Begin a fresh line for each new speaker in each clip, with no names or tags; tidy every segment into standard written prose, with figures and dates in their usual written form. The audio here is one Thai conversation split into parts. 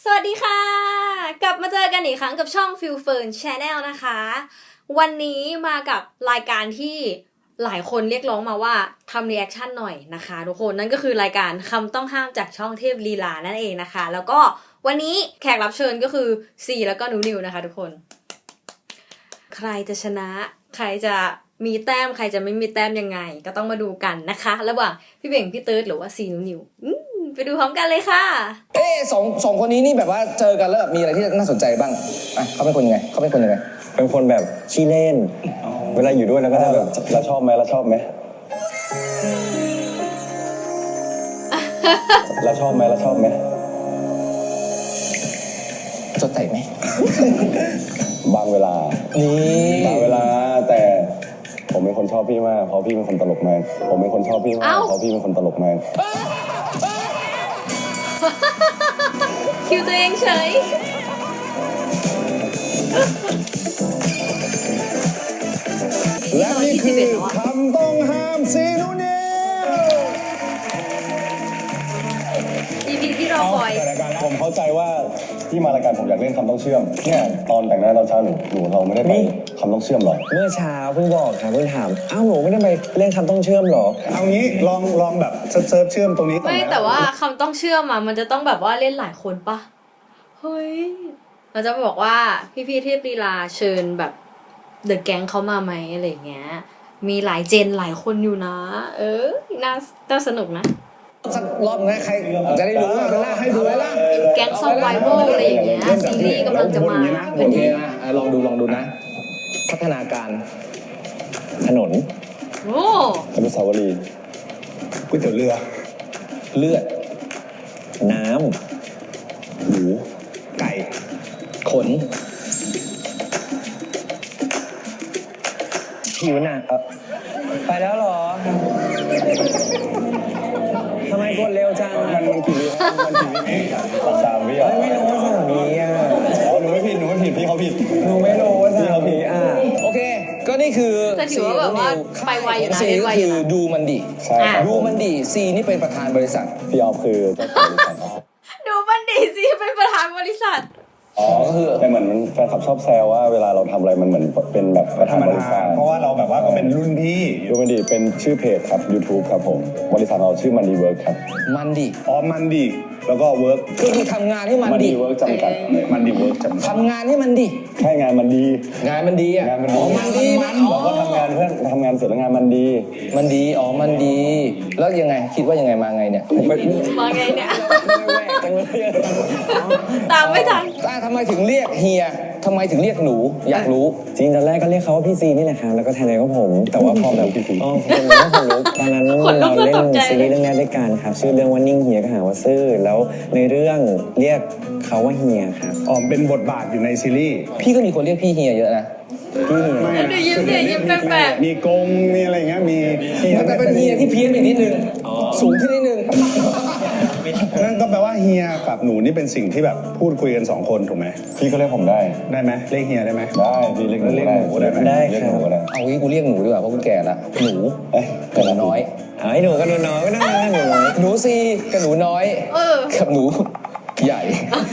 วัสดีค่ะกลับมาเจอกันอีกครั้งกับช่อง Feel Fern Channel นะคะวันนี้มากับรายการที่หลายคนเรียกร้องมาว่าทำรีแอคชั่นหน่อยนะคะทุกคนนั่นก็คือรายการคำต้องห้ามจากช่องเทพลีลานั่นเองนะคะแล้วก็วันนี้แขกรับเชิญก็คือซีแล้วก็นิวนะคะทุกคนใครจะชนะใครจะมีแต้มใครจะไม่มีแต้มยังไงก็ต้องมาดูกันนะคะระหว่างพี่เบ่งพี่เติร์ดหรือว่าซีนิวไปดูพร้อมกันเลยค่ะ
สองคนนี้นี่แบบว่าเจอกันแล้วแบบมีอะไรที่น่าสนใจบ้างอ่ะเขาเป็นคนยังไงเป็นคนแบบขี้เล่นเวลาอยู่ด้วยแล้วก็จะแบบเราชอบไหมเราชอบไหมจดใจไหม
บางเวลาแต่ผมเป็นคนชอบพี่มากเพราะพี่เป็นคนตลกมาก
คิวตัวเองเฉย
และนี่คือคำต้องห้ามซีนูนิว
EP ที่เราปล่อย
ผมเข้าใจว่าที่มารายการผมอยากเล่นคำต้องเชื่อมเนี่ยตอนแต่งหน้าตอนเช้าหนูเราไม่ได้ไปคำต้องเชื่อมหรอ
เมื่อเช้าเพิ่งบอกค่ะเพิ่งถามหนูไม่ได้ไปเล่นคำต้องเชื่อมหรอ
เอางี้ลองแบบเซิร์ฟเชื่อมตรงนี้
ไม่แต่ว่าคำต้องเชื่อมมันจะต้องแบบว่าเล่นหลายคนปะเฮ้ยเราจะบอกว่าพี่เทพลีลาเชิญแบบเดอะแก๊งเขามาไหมอะไรเงี้ยมีหลายเจนหลายคนอยู่นะน่าสนุกนะ
สักรอบนะใครจะได้รู้ว่าให้ดูแล้ว
แก๊งซอฟไวโวอะไรอย่างเงี้ยซีรีส์กำลังจะมา
โอเคนะลองดูนะพัฒนาการถนน
โอ้
อนุสาวรีย์ก๋วยเตี๋ยวเรือ
เลือดน้
ำหมูไก่
ขนผิวหนักไปแล้วหรอทำไมกดเร็วจัง
มันกี่วิ3 วิ
ไม่รู้ว่า3 วิ
หนูไม่ผิดพี่เขาผิด
หนูไม่รู้ว่า3 วิโอเคก็นี่คือ
แต่ถือว่าแบบว่าไปไวอยู่นะเล่นไวอยู่นะ
ดูมันดีซีนี่เป็นประธานบริษัท
พี่ออฟคือเจ้าของบริษัท
ดูมันดีซีเป็นประธานบริษัท
ก็คือแต่เหมือนแฟนคลับชอบแซวว่าเวลาเราทำอะไรมันเหมือนเป็นแบบประธานบริษัทเพราะว่าเราแบบว่าก็เป็นรุ่นพี่ดูมันดีเป็นชื่อเพจครับ YouTube ครับผมบริษัทเราชื่อมันดีเวิร์กครับ
มันดี
มันดีแล้วก็เวิร์ก
ก็คือทำงานให้มันดี
เวิร์กจำกัดมันดีเวิร์กจำกัด
ทำงานให้มันดี
ใช่งานมันดี
มันดี
มันดีเราก็ทำงานเพื่อนทำงานเสร็จแล้วงานมันดี
มันดีแล้วยังไงคิดว่ายังไงมาไงเนี่ย
มาไงเนี่ยตามไม่ทัน
ทำไมถึงเรียกเฮียทำไมถึงเรียกหนูอยากรู้
จริงตอนแรกก็เรียกเขาว่าพี่ซีนี่แหละครับแล้วก็แทนเลยก็ผมแต่ว่าพอแบบ
พี่ซี
คนนี้ก็คนลุกตอนนั้นเราเล่นซีรีส์เรื่องแรกด้วยกันครับชื่อเรื่องว่านิ่งเฮียก็หาว่าซื่อแล้วในเรื่องเรียกเขาว่าเฮียครับ
เป็นบทบาทอยู่ในซีรีส์
พี่ก็มีคนเรียกพี่เฮียเยอะนะ
ดูยิ้มแปลก
มีกงมีอะไรเงี้ยมี
แต่เป็นเฮียที่เพี้ยนอีกนิดนึงสูงขึ้นนิดนึง
นั่นก็แปลว่าเฮียกับหนูนี่เป็นสิ่งที่แบบพูดคุยกัน2 คนถูกไหมพี่ก็เรียกผมได้ไหมเรียกเฮียได้ไหมได้พี่เรียกหนูได้ไหม
ได้ครับ
เอางี้กูเรียกหนูดีกว่าเพราะกูแก่ละหนูกับหนูน้อย
ไอ้หนูกับหนูน้อยก็ได้หนูน้อย
หนูซีกับหนูน้อยกับหนูใหญ่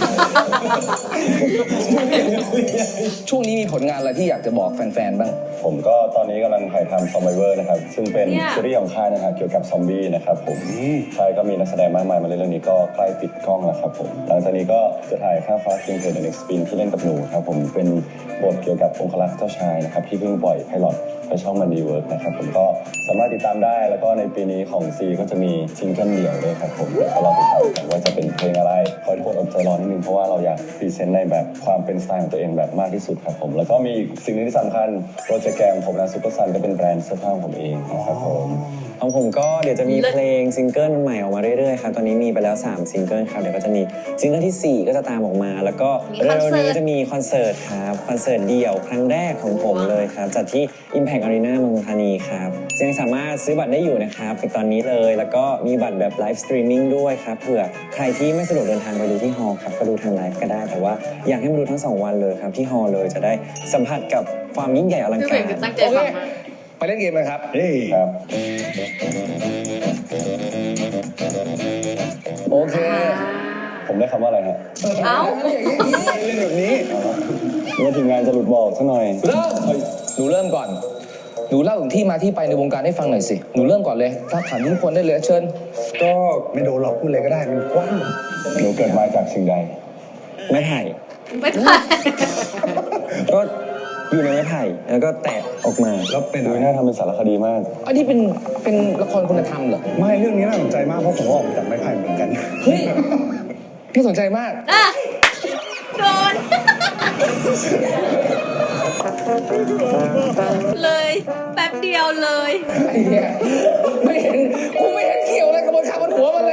ช่วงนี้มีผลงานอะไรที่อยากจะบอกแฟนๆบ้าง
ผมก็ตอนนี้กำลังถ่ายทำ Survivor นะครับซึ่งเป็นซีรีส์ของค่ายนะครับเกี่ยวกับซอมบี้นะครับผมค่ายก็มีนักแสดงมากมายมาเล่นเรื่องนี้ก็ใกล้ปิดกล้องแล้วครับผมหลังจากนี้ก็จะถ่ายข้ามฟ้าเคียงเธอ The Next Spin ที่เล่นกับหนูครับผมเป็นบทเกี่ยวกับองครักษ์เจ้าชายนะครับที่เพิ่งปล่อยไพลอตไปช่องมันดีเวิร์กนะครับผมก็สามารถติดตามได้แล้วก็ในปีนี้ของซีก็จะมีซิงเกิลเดี่ยวด้วยครับผมก็รอติดตามกันว่าจะเป็นเพลงอะไรขอให้ทุกคนอดใจรอนิดนึงเพราะว่าเราอยากพรีเซนต์ในแบบความเป็นสไตล์ของตัวเองแบบมากที่สุดครับผมแล้วก็มีสิ่งนึงที่สำคัญโปรเจกต์แกมผมนะซุปเปอร์ซันก็เป็นแบรนด์เสื้อผ้าของผมเองนะครับผม
ของผมก็เดี๋ยวจะมีเพลงซิงเกิลใหม่ออกมาเรื่อยๆครับตอนนี้มีไปแล้ว3ซิงเกิลครับเดี๋ยวก็จะมีซิงเกิลที่4ก็จะตามออกมาแล้วก็เร็วๆนี้จะมีคอนเสิร์ตครับคอนเสิร์ตเดี่ยวครั้งแรกของผมเลยครับจัดที่ Impact Arena เมืองทองธานีครับยังสามารถซื้อบัตรได้อยู่นะครับในตอนนี้เลยแล้วก็มีบัตรแบบไลฟ์สตรีมมิ่งด้วยครับเผื่อใครที่ไม่สะดวกเดินทางไปดูที่ฮอลล์ครับก็ดูทางไลฟ์ก็ได้แต่ว่าอยากให้มาดูทั้ง2 วันเลยครับที่ฮอลล์เลยจะได้สัมผัสกับความยิ่งใหญ่อลังการ
ไปเล่นเกมเลยครับ
ครับ
โอเค
ผมได้คำว่าอะไรฮะ
เอ้า
เล่นแบบนี้
เมื่อทีมงานจะหลุดบอกซะหน่อย
เริ่มหนูเริ่มก่อนหนูเล่าถึงที่มาที่ไปในวงการให้ฟังหน่อยสิหนูเริ่มก่อนเลยถ้าถามทุกคนได้เลยเชิญ
ก็ไม่โดนหรอกพูดเลยก็ได้มันกว้าง
หนูเกิดมาจากสิ่งใด
ไม้ไผ่
ไม่ผ่าน
ก็อยู่ในไม้ไผ่แล้วก็แตะออกมา
แล้วเป็น
ดู
อะไร
น่าทำเป็นสารคดีมาก
อันนี้เป็นละครคุณธรรมเหรอ
ไม่เรื่องนี้น่าสนใจมากเพราะผมออกมาจากไม้ไผ่เหมือนกัน
เฮ้ยพี่สนใจมาก
อ่ะโดน เลยแป๊บเดียวเลย
ไอ้เหี้ยไม่เห็นกูไม่เห็นเกี่ยวอะไรกับบนขาบนหัวมันเลย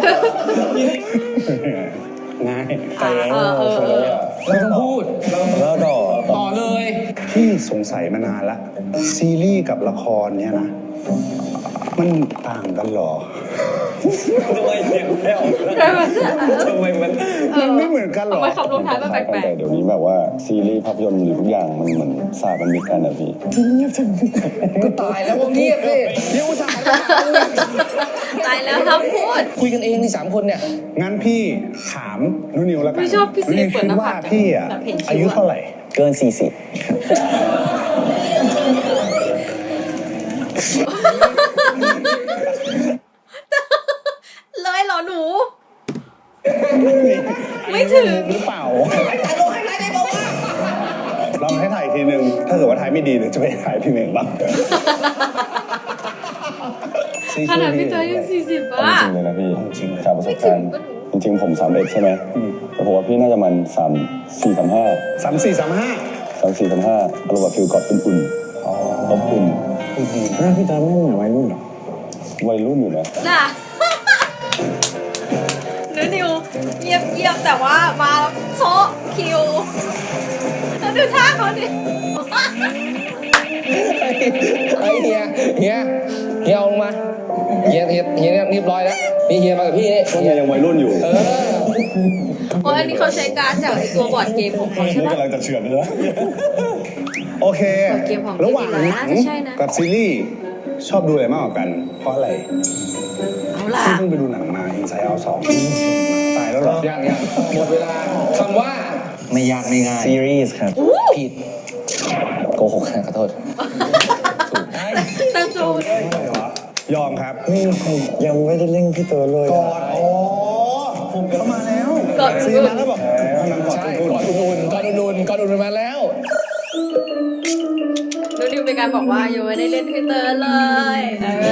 ง่าย
เราต้องพูด
แล้วดอก
ต่อเลย
พี่สงสัยมานานละซีรีส์กับละครเนี่ยนะ มันต่างกันเหรอ
ทำไมเสียงไม่ออกทำไมมัน
มันไม่เหมือนกันเหรอ
ทำไมคำลงท้ายมันแปลก
แต่เดี๋ยวนี้แบบว่าซีรีส์ภาพยนตร์หรือทุกอย่างมันเหมือนสากันมิตรกันนะพี่
ก็ตายแล้ววงนี้สิเดี๋ยวอุตส่าห์มาถามมึงเนี่ย
ๆตายแล้วครับพูด
คุยกันเองนี่3 คนเนี่ย
งั้นพี่ถามนุนิวแล้วกัน
พี่ชอบพี่ซี
นุนิว
เปิด
คิด
หน้า
ว่า
ผาก
พี่อะ
แบบเห็นคิ้วอะ
อายุเท่าไหร่
เกิน 40
เลยเหรอหนู ไม่ถึง
หรือเปล่าลองให้ถ่ายอีกทีนึง ถ้าเกิดว่าถ่ายไม่ดีเดี๋ยวจะไปถ่ายพี่เมงบ้าง
ขนาดพี่เตยยัง40
เอา
อ่ะ
จริงเลยนะพี่
จริงเลย
จากประสบการณ์
ไม่ถึงปะหนู
จริงๆผม31ใช่ไหมแต่ผมว่าพี่น่าจะมัน3 4 3 5
3435
3 4 3 5อารมณ์แบบฟิลกอดอุ่นๆอบอุ่น
หน้าพี่ตาไม่เหมือนวัยรุ่นหรอ
วัยรุ่นอยู่นะ
น่ะนิวเยียบแต่ว่ามาโซะคิวแล้วดูท่าเขาดิ
ไอ้เฮียเอาลงมาเฮียเรียบร้อยแล้วนี่เฮียมากับพี่นี่
พวกนี้ยังวัยรุ่นอยู่
โอ้ยอันนี้เขาใช้การ์ดจากไอ้ตัวบอร์ดเกมของเขาใช่
นี่
ปะ
กำลังจะเฉือนเลยนะ
โอเค
เกมของ
ระหว่างหนัง
น่าจะใช่นะ
กับซีรีส์ชอบดูอะไรมากกว่ากัน เพราะอะไร
เอาล่ะ
พี่เพิ่งไปดูหนังมา Inside Out 2 ตายแล้วเหรอ
ยังหมดเวลาคำว่าไม่ยากไม่ง่าย
ซีรีส์ครับ
ผิดโกหกขอโทษ
ตั้งจูน
ยอมครับ
นี่ผมยังไม่ได้เล่นพี่ตัวเลย
กอดอ๋อผมเข้ามาแล้ว
กอด
ซีมาแล้วบอกกำลังกอด
ใช่
คุณ
ก่อนอุ่นมาแล้ว
นิวเป็นการบอกว่ายังไม่ได้เล่นทวิตเตอร์เลย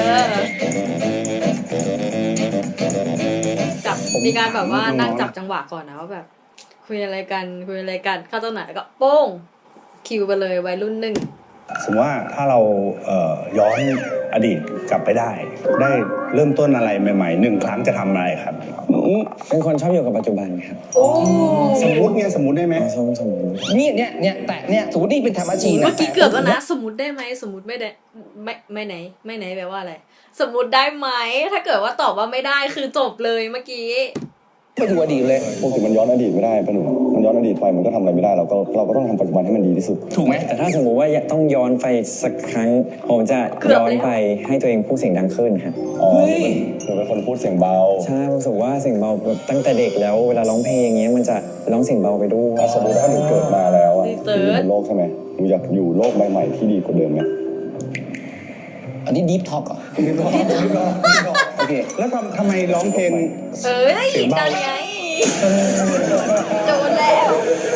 จับมีการแบบว่านั่งจับจังหวะก่อนนะว่าแบบ คุยอะไรกันเข้าตรงไหนก็โป้งคิวไปเลยวัยรุ่นหนึ่ง
สมมติว่าถ้าเราย้อนอดีตกลับไปได้ ได้เริ่มต้นอะไรใหม่ๆ1 ครั้งจะทำอะไรครับ
เป็นคนชอบอยู่กับปัจจุบันครับ
โอ้
สมมุติได้ไหม
สมมติ
นี่เนี่ยแต่เนี่ยสมมตินี่เป็นธรรมชีนะ
เมื่อกี้เกือบแล้วนะ สมมติได้ไหมสมมติไม่ได้ไม่ไหนแปลว่าอะไรสมมติได้ไหมถ้าเกิดว่าตอบว่าไม่ได้คือจบเลยเมื่อกี้
ไปดูอดีตเลย
ปกติมันย้อนอดีตไม่ได้ปะหนูมันย้อนอดีตไปมันก็ทำอะไรไม่ได้เราก็ต้องทำปัจจุบันให้มันดีที่สุด
ถูกไหม
แต่ถ้าสมมุติว่าต้องย้อนไปสักครั้ง ผมจะย้อนไปให้ตัวเองพูดเสียงดังขึ้นครับ
อ๋อหนูเป็นคนพูดเสียงเบา
ใช่รู้สึกว่าเสียงเบาตั้งแต่เด็กแล้วเวลาร้องเพลงอย่างเงี้ยมันจะร้องเสียงเบาไปด้วย
ถ้าสมมติว่าหนูเกิดมาแล้วอะหนูอยู่บนโลกใช่ไหมหนูอยากอยู่โลกใบใหม่ที่ดีกว่าเดิมไหม
อันนี้ดีฟท็อกเหรอโอเค
แล้วทำไมร้องเพลง
เอ้ยดังไงโดนแล้ว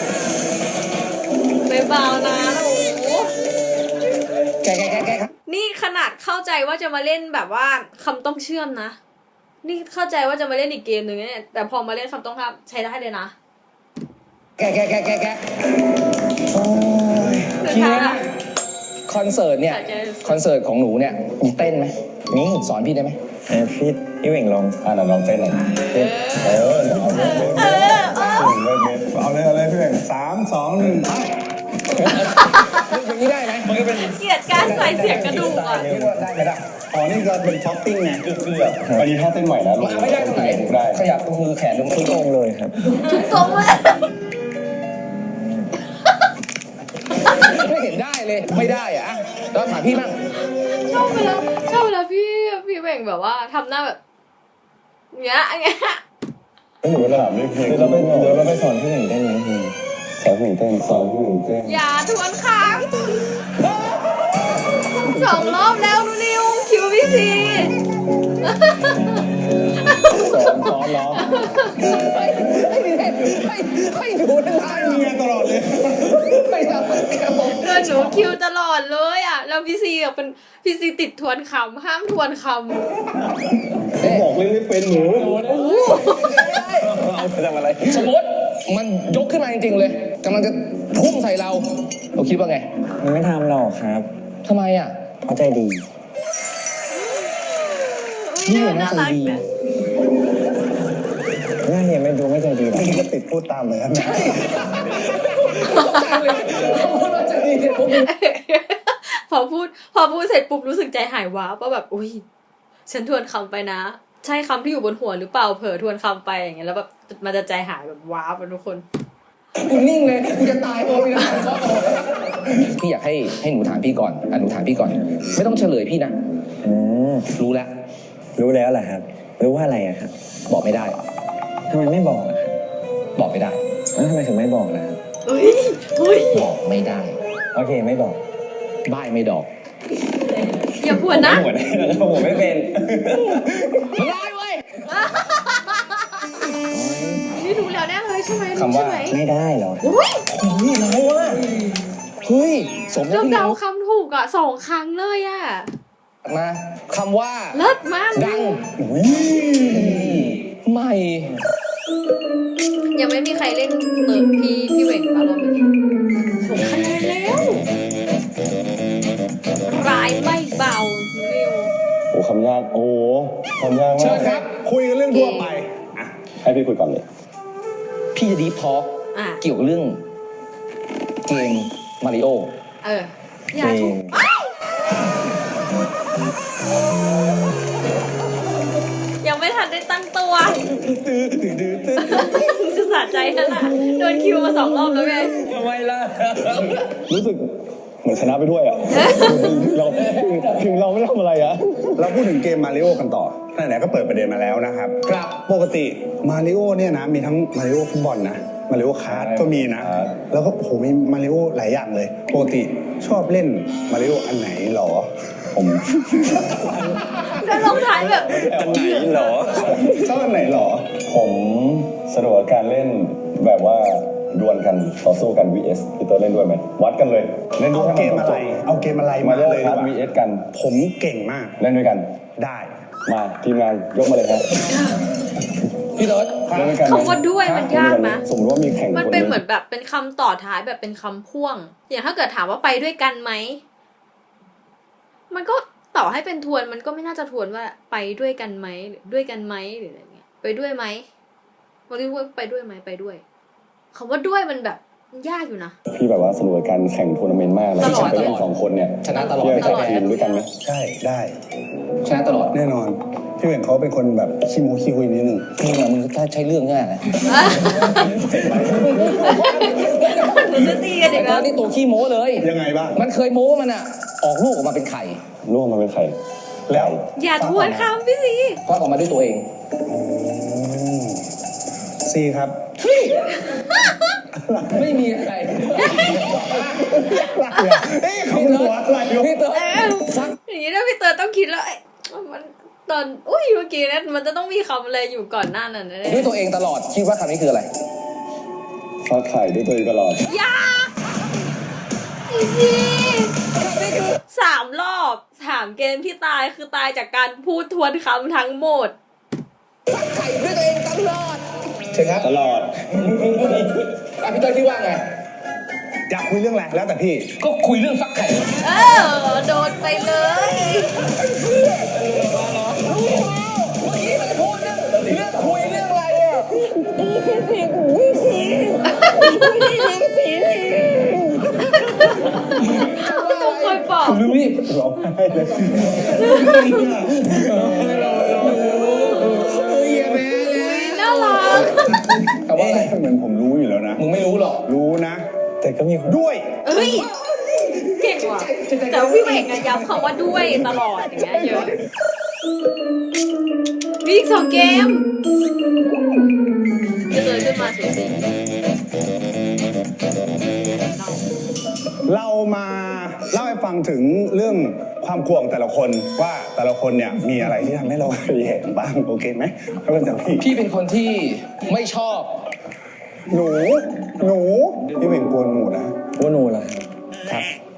ไม่เบานะโอ้โห
แกครับ
นี่ขนาดเข้าใจว่าจะมาเล่นแบบว่าคำต้องเชื่อมนะ นี่เข้าใจว่าจะมาเล่นอีกเกมหนึ่งเนี่ยแต่พอมาเล่นคำต้องห้ามใช้ได้เลยนะ
แก
โอ้ย
พี่นะคอนเสิร์ตเนี่ย
ใช่ใช่
คอนเสิร์ตของหนูเนี่ยมีเต้นไหมนี่สอนพี่ได้ไหม
พี่เหว่งลอง
ไหนลองเต้นหน่อยเอาเลย
เอาเลยพี่แบง3 2 1ไป
อย่างนี้ได้ไหมมันก็เป็น
เกลียดการใส่เสียงกระดูกอ่ะ
เรียกว่าได้ไหมล่ะ
อ๋อนี่ก็เป็นท็อปปิ้งไง
อันนี้ท่าเต้นใหม่นะลง
ไม่ได้ตรงไหน
ได้
ขยับตรงมือแขนตรง
ทุก
ต
อ
รง
งเลยครับ
ทุกตรงเลย
ไม่เห็นได้เลยไม่ได้อะแล้วถามพี่บ้าง
ชอบเวลาพี่เบ่งแบบว่าทำหน้าแบบเงี้ย
หนูถามด้วยเพลง
เดี๋ยวเราไปสอนพี่หนึ่งเต้นไหมพี่
สอนพี่หนึ่งเต้นสอนพี่หนึ่งเต้น
อย่าทวนครั้ง2 รอบแล้วนูนิวคิวพี่ซี
สอนร้องไม่ดูนะ
ไอ้เมียตลอดเลย
ไม่ทำครับผม
เดินหนูคิวตลอดเลยอ่ะแล้วพี่ซีอ่ะเป็นพี่ซีติดทวนคำห้ามทวนค
บอกเล่นไม่เป็นหนู
เอาไปทำอะไร
สมมติมันยกขึ้นมาจริงๆเลยกำลังจะพุ่งใส่เราคิดว่าไง
มันไม่ทำหรอกครับ
ทำไมอ่ะ
เพราะใจดี
ำอุ้ยน่ารักนะ
หน้าเนี่ยไม่ดูไม่ใจดีหรอก
นี่ก็ติดพูดตามเลยนะ
พอพูดเสร็จปุ๊บรู้สึกใจหายว้าว่าแบบอุ้ยฉันทวนคำไปนะ ใช่คำที่อยู่บนหัวหรือเปล่าเผลอทวนคำไปอย่างเงี้ยแล้วแบบมันจะใจหายแบบว้าไปทุกคน
กูนิ่งเลยกูจะตายตัวพี่นะพี่อยากให้หนูถามพี่ก่อนหนูถามพี่ก่อน ไม่ต้องเฉลยพี่นะ
อืม
รู้แล้ว
รู้แล้วแหละครับ รู้ว่าอะไรอะครับ
บอกไม่ได้
ทำไมไม่บอกอะครับ
บอกไม่ได้
แล้วทำไมถึงไม่บอกล่ะครับ
อุ้ย
บอกไม่ได้
โอเคไม่บอก
บ้ายไม่ดอก
อย่าพวนนะ
หัวได้ผมไม่เป็น
มันร้ายเว้ย
นี่รู้แล้วแน่เลยใช่ไหม
คำว่า
ใช่ไหม
ไม่ได้เหรอ
อุ้ย
นี่ร้ายว่ะเฮ้ยสม
เรา
ที่
เดา
เรา
คำถูกอ่ะ2 ครั้งเลยอ่ะ
มาคำว่า
เลิศมาก
ดังไม่
ยังไม่มีใครเล่นพี่เหว่งปะรอบนี้ผมคะแนนแล้วร้ายไม่เบานิว
โอ้คำยากโอ้คำยาก
เชิ
มา
ญ
ก
ครับ
คุยกันเรื่องทั่วไปอ่ะ
ให้พี่คุยก่อนเลย
พี่จะดีฟทอล์ก
อ่ะ
เกี่ยวกับเรื่องเกมมาริโอ
อย่าถูกยังไม่ทันได้ตั้งตัวจะสะใจแล้วล่ะโดนคิวมา2 รอบแล้วไง
ทำไมล่ะ
รู้สึกเหมือนชนะไปด้วยอ่ะเราถึงเราไม่ทำอะไรอ่ะ
เราพูดถึงเกมมาริโอกันต่อไหนๆก็เปิดประเด็นมาแล้วนะครับ
ครับ
ปกติมาริโอเนี่ยนะมีทั้งมาริโอฟุตบอลนะมาริโอคาร์ดก็มีนะ แล้วก็โอ้โหมีมาริโอหลายอย่างเลยปกติชอบเล่นมาริโออันไหนหรอ
ผม
ก็ลงท้ายแบบ
อันไหนเหรอ
ชอบอันไหนหรอ
ผมสนุกกับการเล่นแบบว่าดวลกันต่อสู้กัน vs พี่เตอร์เล่นด้วยไหมวัดกันเลยเล่นด้
เอา
วย
เกมอะไรเอาเกมอะไร
มา
มา
เล่น
เลย
ครับ
ดีกว่า
vs กัน
ผมเก่งมาก
เล่นด้วยกัน
ได้
มาทีมงานยกมาเลยครับ
พี่เติร์ด
เล่นด้วยกัน
คำว่าด้วยมันยากนะ
สมมติว่ามีแข่ง
มัน
ค
เป็นเหมือนแบบเป็นคำต่อท้ายแบบเป็นคำพ่วง อย่างถ้าเกิดถามว่าไปด้วยกันไหม มันก็ต่อให้เป็นทวนมันก็ไม่น่าจะทวนว่าไปด้วยกันไหมหรือด้วยกันไหมหรืออะไรเงี้ย ไปด้วยไหมมันเรียกว่าไปด้วยไหมไปด้วยคำว่าด้วยมันแบบมันยากอยู่นะ
พี่แบบว่าสนุกกับการแข่งทัวร์นาเมนต์มากเลย
ตลอด
ไปเล่น2 คนเนี่ย
ชนะตลอด
พี่
ไม่
จะ
เคย
แข่ง
แพ้
ทีมด้วยกันไหม
ใช่ได้
ชนะตลอด
แน่นอนพี่เหว่งเขาเป็นคนแบบขี้โม้ขี้คุยนิดนึง
มึงอะมึงถ้าใช้เรื่องง่ายนะ
หนูจะตีกันอีก
ต
แล้
อ
วน
นี้ตัวขี้โม้เลย
ยังไงบ้าง
มันเคยโม้ว่ามันอะออกลูกออกมาเป็นไข่
ร่วมมาเป็นใคร
แล้ว
อย่าทวนคำพี่สิ
คลอดออกมาด้วยตัวเอง
ซีครับ
ไม่มีใคร
เอ๊ะเขาหัวอะไรอยู่
พี่เติร์ดฟัก
อย่างนี้นะพี่เตอร์ต้องคิดแล้วมันตอนอุ้ยเมื่อกี้นะมันจะต้องมีคำอะไรอยู่ก่อนหน้านั้นแน่
ด้วยตัวเองตลอดคิดว่าคำนี้คืออะไร
ฟักไข่ด้วยตัวเองตลอด
ๆอย่าพี่สิ3 รอบ3 เกมที่ตายคือตายจากการพูดทวนคำทั้งหมด
ไข่ด้วยตัวเองตลอดเชิญครับ
ตลอด
พี่เติร์ดคิดว่าไง
อยากคุยเรื่องอะไรแล้วแต่พี่
ก็คุยเรื่องฟักไข่
โดนไปเลย
เมื่อกี้มันพูดเรื่องคุยเรื่องอะไรอะ
ต้องคอยบอก
รีบ
ร้องไห้เลย
น่ารัก
แต่ว่าอะไร
เหมือนผมรู้อยู่แล้วนะ
มึงไม่รู้หรอก
รู้นะ
แต่ก็มีคน
ด้วย
เอ้ยเก่งว่ะแต่พี่เวกอะย้ำคำว่าด้วยตลอดอย่างเงี้ยเยอะมีอีก2 เกมจะเลยขึ้นมาสูสี
เรามาเล่าให้ฟังถึงเรื่องความกลัวของแต่ละคนว่าแต่ละคนเนี่ยมีอะไรที่ทำให้เราแย่บ้างโอเคไหมถ้าเป็นจากพี่
พี่เป็นคนที่ไม่ชอบ
หนูพี่เป็นกลัวหนูนะ
ว่าหนูเหรอครับ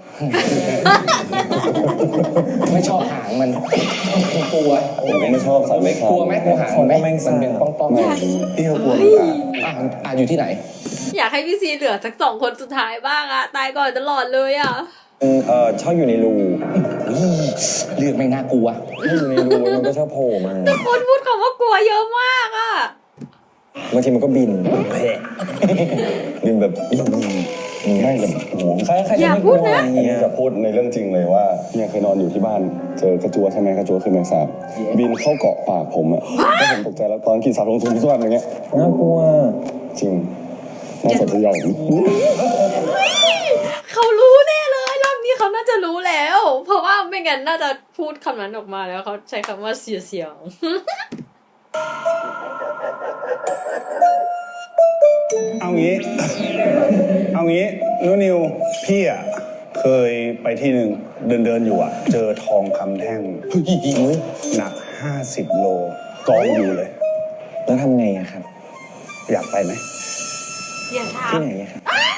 ไม่ชอบหางมันกลัว
ผมก็ไม่ชอบสัตว์เลื้อยคลาน
กลัวไหมกลัวหางมันไหมมันเป็นป้องๆ
พี่ก็กลัวเหมือนกัน
อยู่ที่ไหน
อยากให้พี่ซีเหลือสัก2 คนสุดท้ายบ้างอะตายก่อนตลอดเลยอะ
ชอบอยู่ในรู
เลือกไม่น่ากลัว
ถ้าอยู่ในรูมันก็ชอบโผล่มา
คนพูดคำว่ากลัวเยอะมากอะ
บางทีมันก็บิน
ดินแบบไม่แบบโอ้โห
ใคร
อย่าพูดนะ
อันนี้จะพูดในเรื่องจริงเลยว่าเนี่ยเคยนอนอยู่ที่บ้านเจอกระจัวใช่ไหมกระจัวคือแมงสาบบินเข้าเกาะปากผมอะแล้วผมตกใจแล้วตอนกินสาบลงทุนทุกวันอย่างเงี้ย
น่ากลัว
จริงน่าสนใจอย่าง
เขารู้แน่เลยรอบนี้เขาน่าจะรู้แล้ว เพราะว่าไม่งั้นน่าจะพูดคำนั้นออกมาแล้วเขาใช้คำว่าเสียง
เอางี้นุนิวพี่อ่ะเคยไปที่หนึ่งเดินอยู่อ่ะเจอทองคำแท่งหนัก50 โลกองอยู่เลย
แล้วทำไงอะครับ
อยากไปไหม
อย่าถาม
ที่ไหนอะครับ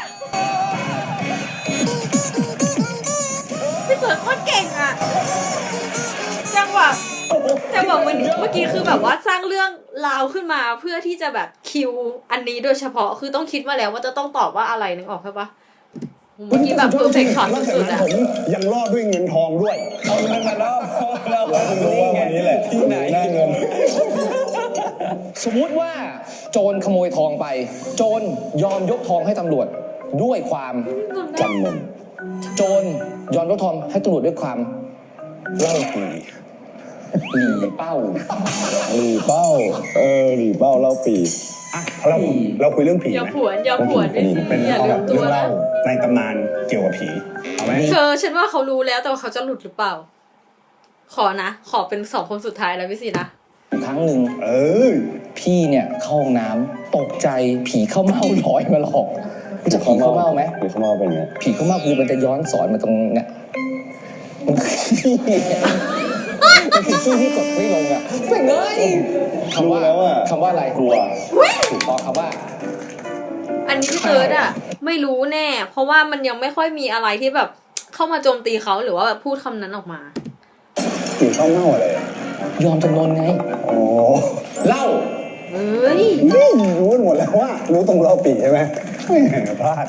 พี่เปิดโคตรเก่งอะจังหวะเมื่อกี้คือแบบว่าสร้างเรื่องราวขึ้นมาเพื่อที่จะแบบคิวอันนี้โดยเฉพาะคือต้องคิดมาแล้วว่าจะต้องตอบว่าอะไรนึกออกใช่ปะเมื่อกี้แบบเพอร์เฟคช็อตสุดๆอะ
ผมยังรอดด้วยเงินทองด้วย
เอาเงินมาล่อเรา
รู้ว่าวันนี้แหละ
ที่ไหน
หน้าเงิน
สมมุติว่าโจรขโมยทองไป โจรยอมยกทองให้ตำรวจด้วยความ
จำนน
โจรยอมยกทองให้ตำรวจด้วยความ
เล่าปี
หลีเป้า
หลีเป้าหลีเป้าเล่าปี
อ่ะเราคุยเรื่องผี
อย่า
ไหม
ผวนพี่ซี
เป็น
อย่า
เอา
ลื
แบ
ม
บ
ตั
เรื่
ว
อง
นะ
เล่าในตำนานเกี่ยวกับผีเอาไหม
เธอฉันว่าเขารู้แล้วแต่ว่าเขาจะหลุดหรือเปล่า ขอเป็น2 คนสุดท้ายแล้วพี่ซีนะ
ครั้งหนึ่ง
เออ
พี่เนี่ยเข้าห้องน้ำตกใจผีเข้าเม่าลอยมาหลอกรู้จักผีเข้าเม่าไหม
ผีเข้าเม่าเป็นไง
ผีเข้าเม่าคือมันจะย้อนสอนมาตรงเนี่ยมันคือขี้มันคือขี้ที่กดไม่ลงอ่ะเป็นไงคำว่า
รู้แล้วอะ
คำว่าอะไร
กลัว
ถูกต้องคำว่า
อันนี้พี่เติร์ดอะไม่รู้แน่ เพราะว่ามันยังไม่ค่อยมีอะไรที่แบบเข้ามาโจมตีเขาหรือว่าแบบพูดคำนั้นออกมา
ผีเข้าเน่าอะไรอ่ะ
ยอมจำนนไง
อ๋อ
เล่า
เฮ้ย
นี่รู้กันหมดแล้วว่ารู้ตรงเล่าปีใช่ไหมแหมพลาด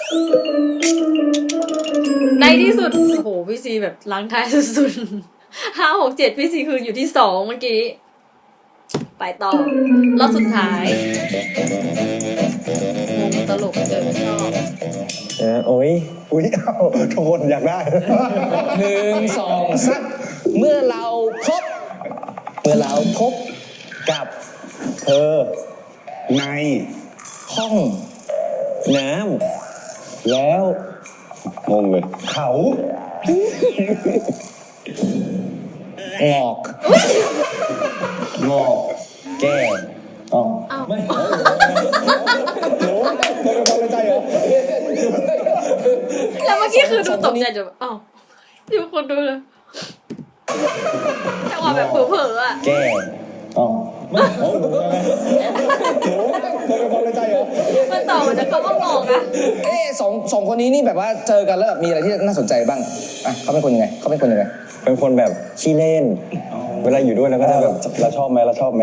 ในที่สุด โอ้โห พี่ซีแบบล้างท้ายสุดๆ5 6 7 พี่ซีคืออยู่ที่2เมื่อกี้ ไปต่อรอบสุดท้ายงงตลกเจอชอบ
โอ้ย
อุ้ยเอ้าทุกคนอยากได้
1 2 3เมื่อเราพบกับ
เธอ
ใน
ห้อง
น้ำแล้ว
งงเลย
เขา
งอก
แก้
อ๋อ
อ้าว
เป็นคนใจเหรอ
แล้วเมื่อกี้คือดูตกใจจะแบบอ้าวอยู่คนดูเลยจังหวะแบบเผลอๆอะ
แก้
อ๋อ
เป็นคนใจเหรอ
มันต่อมาจากคำว่างอกอะ
สองคนนี้นี่แบบว่าเจอกันแล้วแบบมีอะไรที่น่าสนใจบ้างอ่ะเขาเป็นคนยังไง
เป็นคนแบบขี้เล่น เวลาอยู่ด้วยแล้วก็จะแบบ
เราชอบไหม
อย่างนี้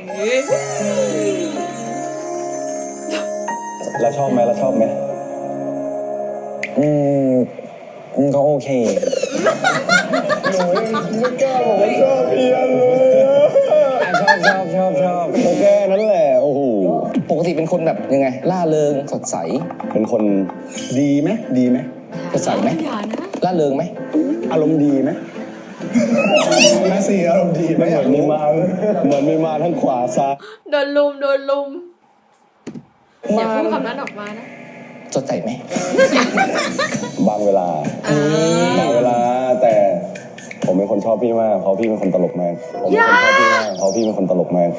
เราชอบไหม
อืมก็โอเค
หนูไม่กล้าบอกว่าชอบเพียนเลย
ชอบ
ก็แค่นั้นแหละโอ้โห
ปกติเป็นคนแบบยังไง ล่าเริงสดใส
เป็นคน
ดีไหม
สดใสไหม
อย่านะ
ล่าเริงไหม
อารมณ์ดีไหมแม่สีอารมณ์ดีไหม
เหมือนมีมาทั้งขวาซ้าย
โดนลุมอย่าพูดคำนั้นออกมานะ
สดใสไหม
บางเวลา
อ่า
แต่ผผมเป็นคนชอบพี่มากเพราะพี่เป็นคนตลกมากผมเป็นคนชอบพี่มากเพราะพี่เป็นคนตลกมาก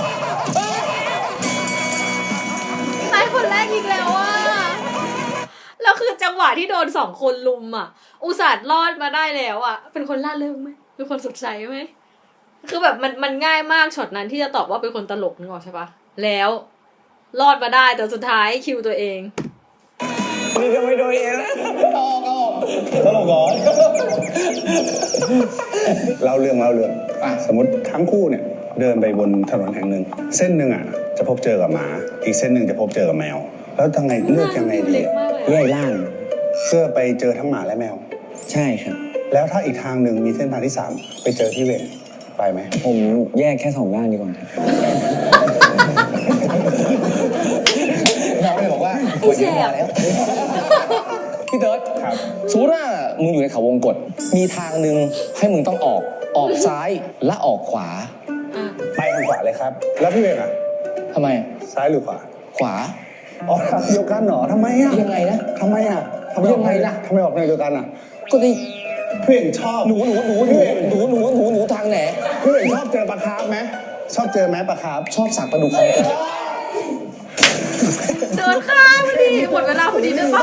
ตายคนแรกอีกแล้วอ่ะแล้วคือจังหวะที่โดน2 คนลุมอ่ะ อุตส่าห์รอดมาได้แล้วอ่ะเป็นคนล่าเริงไหมเป็นคนสดใสไหมคือแบบมันง่ายมากช็อตนั้นที่จะตอบว่าเป็นคนตลกนึกออกใช่ปะแล้วรอดมาได้แต่สุดท้ายคิวตัวเอง
นี่ก็ไม่โดนเองแล้ว
ตลกเหรอ
เล่าเรื่องสมมติทั้งคู่เนี่ยเดินไปบนถนนแห่งหนึ่งเส้นหนึ่งอ่ะจะพบเจอกับหมาอีกเส้นหนึ่งจะพบเจอกับแมวแล้วทำไงเลือกยังไงดี
เล็กมากเลย
แยกล่าง
เพื่อไปเจอทั้งหมาและแมว
ใช่ครับ
แล้วถ้าอีกทางหนึ่งมีเส้นทางที่ 3 ไปเจอที่เวรไปไหม
ผมแยกแค่2 ด้านดีกว่าครับ
เราเลยบอกว่าวันนี้พอแล้วพี่เติร์ด
ครับ
สมมติว่ามึงอยู่ในเขาวงกตมีทางหนึ่งให้มึงต้องออกซ้ายและออกขวา
อ่ะ
ไปทางขวาเลยครับ แล้วพี่เวรอ่ะ
ทำไม
ซ้ายหรือขวา
ขวา
ออกทางเดียวกันเหรอทำไมอ่ะ
ยังไงนะ
ทำไมอ่ะ
ยังไงล่ะ
ทำไมออกทางเดียวกันอ่ะ
ก็นี่
พี่เวรชอบ
หนูทางไหน
พี่เวรชอบเจอปลาคาร์ฟไหมชอบเจอไหมปลาคาร์ฟ
ชอบสักปลาดุกของกัน
เดินข้ามพอดีหมดเวลาพอดีด้วยปะ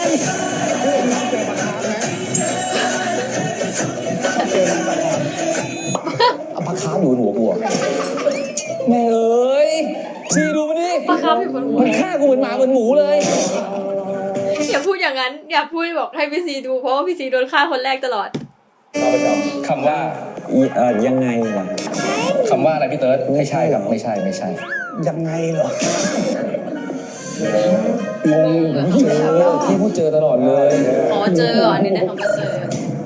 เอาปลาคาร์ฟอยู่บนหัวกูอะแม่งเอ้ยซีดูมันดิ
ปลาคาร์ฟอยู่บนหัว
มันฆ่ากูเหมือนหมาเหมือนหมูเลย
อย่าพูดอย่างนั้น อย่าพูดบอกให้พี่ซีดูเพราะว่าพี่ซีโดนฆ่าคนแรกตลอด
คำว่า
ยังไงล่ะ
คำว่าอะไรพี่เติร์ดไม่ใช่ครับไม่ใช่
ยังไงเหรอ งง
เจอที่พูดเจอตลอดเลย
ขอเจออันนี้ได้คำว่าเจอ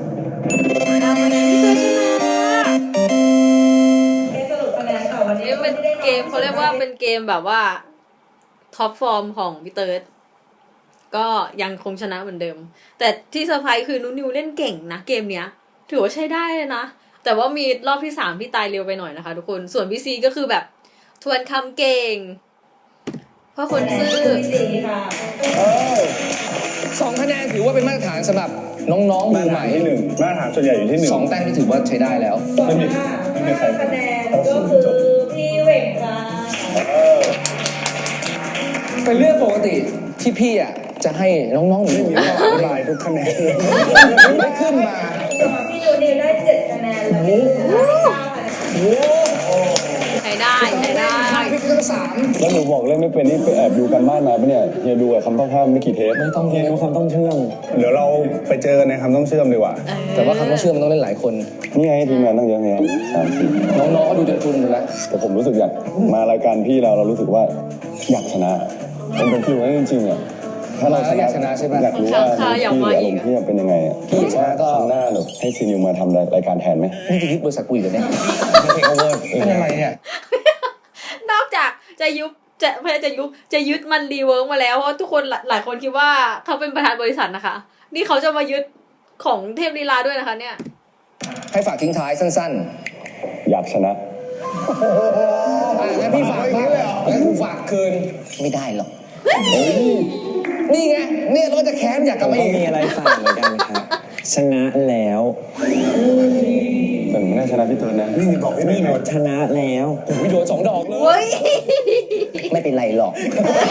นี่เป็นเกมเขาเรียกว่าเป็นเกมแบบว่าท็อปฟอร์มของพี่เติร์ดก็ยังคงชนะเหมือนเดิม แต่ที่เซอร์ไพรส์คือนุนิวเล่นเก่งนะเกมเนี้ย ถือว่าใช้ได้เลยนะ แต่ว่ามีรอบที่3ที่ตายเร็วไปหน่อยนะคะทุกคนส่วนพี่ซีก็คือแบบทวนคำเก่งเพราะคนซื่อ
2 คะแนนถือว่าเป็นมาตรฐานสำหรับน้องๆมือใหม่
ที่ 1มาตรฐานส่วนใหญ่อยู่ที่ 1
2 แต้มที่ถือว่าใช้ได้แล้ว
ไม่มีใคร
คะแนนก็คือพี่เหว่งค่ะ
เป็นเรื่องปกติที่พี่อ่ะจะให้น้องๆหนู
ไม่มีข้ออธิบายทุกคะแนนเลย
ไม่ขึ้นมา
พี่ดูนิวได้7 คะแนนแล้วพี่ได้9 คะแนน
ใช้ได้ใช้ได้
พี่ก็ต้อง3
แล้วหนูบอกเล่นไม่เป็นนี่ไปแอบดูกันบ้านมาปะเนี่ยเฮียดูอะคำต้องห้ามไม่กี่เทป
ไม่ต้อง
เรียนรู้คำต้องเชื่อม
เดี๋ยวเราไปเจอกันในคำต้องเชื่อมดีกว่า
แต่ว่าคำต้องเชื่อมมันต้องเล่นหลายคน
นี่ไงทีมงานตั้งเยอะไง3-4
น้องๆก็ดูจนทุนหมดแล้ว
แต่ผมรู้สึกอยากมารายการพี่เรารู้สึกว่าอยากชนะมันเป็นฟิลนั้นจริงๆอ่ะถ้าเรา
อยากชนะใช่ไหม
อยากรู้ว่าพี่อารมณ์พี่เป็นยังไงอ่ะ
พี่ชนะก็
ครั้งหน้าแบบให้ซีนิวมาทำรายการแทนไหม
นี่จะยึดบริษัทกูอีกเหรอเนี่ยเป็นอะไรเนี่ย
นอกจากจะยุบจะไม่ใช่จะยึดมันรีเวิร์กมาแล้วเพราะทุกคนหลายคนคิดว่าเขาเป็นประธานบริษัทนะคะ นี่เขาจะมายึดของเทพลีลาด้วยนะคะเนี่ย
ให้ฝากทิ้งท้ายสั้น
อยากชนะ
ๆงั้นพี่ฝากบ้างงั้นกูฝากคืนไม่ได้หรอกนี่ไงเนี่ยเราจะแค้นอยากก
ผ
ลับ
ม
มา
ก็
อีก
มีอะไรฝากเหมือนกันครับ ชนะแล้ว
แต่ไม่ได้ชนะพี่เติร์นนะ
นี่บอกพี่นี่หน่อย
ชนะแล้ว
วิดีโอ2 ดอกเลย
เฮ้ย
ไม่เป็นไรหรอก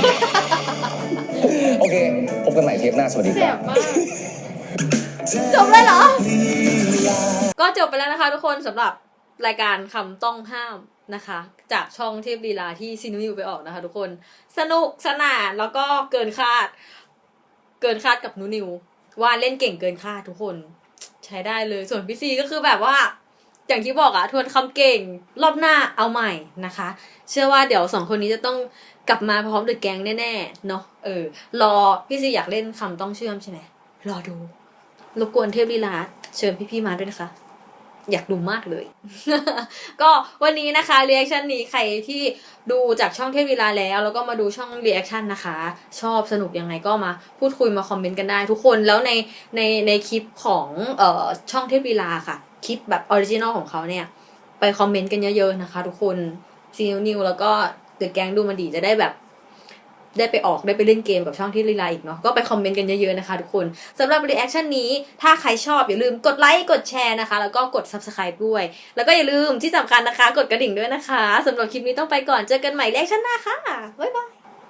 โอเค พบกันใหม่เทปหน้า สวัสดี
แส
ครับ
บมาก จบเลยเหรอ ก็จบไปแล้วนะคะทุกคนสำหรับรายการคำต้องห้ามนะคะ จากช่องเทพลีลาที่ซีนิวไปออกนะคะทุกคนสนุกสนานแล้วก็เกินคาดกับนูนิวว่าเล่นเก่งเกินคาดทุกคนใช้ได้เลยส่วนพี่ซีก็คือแบบว่า อย่างที่บอกอะทวนคำเก่งรอบหน้าเอาใหม่นะคะ เชื่อว่าเดี๋ยว2 คนนี้จะต้องกลับมาพร้อมเดอะแก๊งแน่ๆเนาะรอพี่ซีอยากเล่นคำต้องเชื่อมใช่ไหมรอดูรบกวนเทพลีลาเชิญพี่ๆมาด้วยนะคะ อยากดูมากเลย ก็วันนี้นะคะรีแอคชั่นนี้ใครที่ดูจากช่องเทพลีลาแล้วก็มาดูช่องรีแอคชั่นนะคะ ชอบสนุกยังไงก็มาพูดคุยมาคอมเมนต์กันได้ทุกคนแล้วในคลิปของช่องเทพลีลาค่ะคลิปแบบออริจินอลของเขาเนี่ยไปคอมเมนต์กันเยอะๆนะคะทุกคนซีนิวแล้วก็เดอะแก๊งดูมันดีจะได้แบบได้ไปออกได้ไปเล่นเกมกับช่องที่ลีลาอีกเนาะก็ไปคอมเมนต์กันเยอะๆนะคะทุกคนสำหรับรีแอคชั่นนี้ถ้าใครชอบอย่าลืมกดไลค์กดแชร์นะคะแล้วก็กด Subscribe ด้วยแล้วก็อย่าลืมที่สำคัญนะคะกดกระดิ่งด้วยนะคะสำหรับคลิปนี้ต้องไปก่อนเจอกันใหม่รีแอคชั่นหน้าค่ะบ๊ายบาย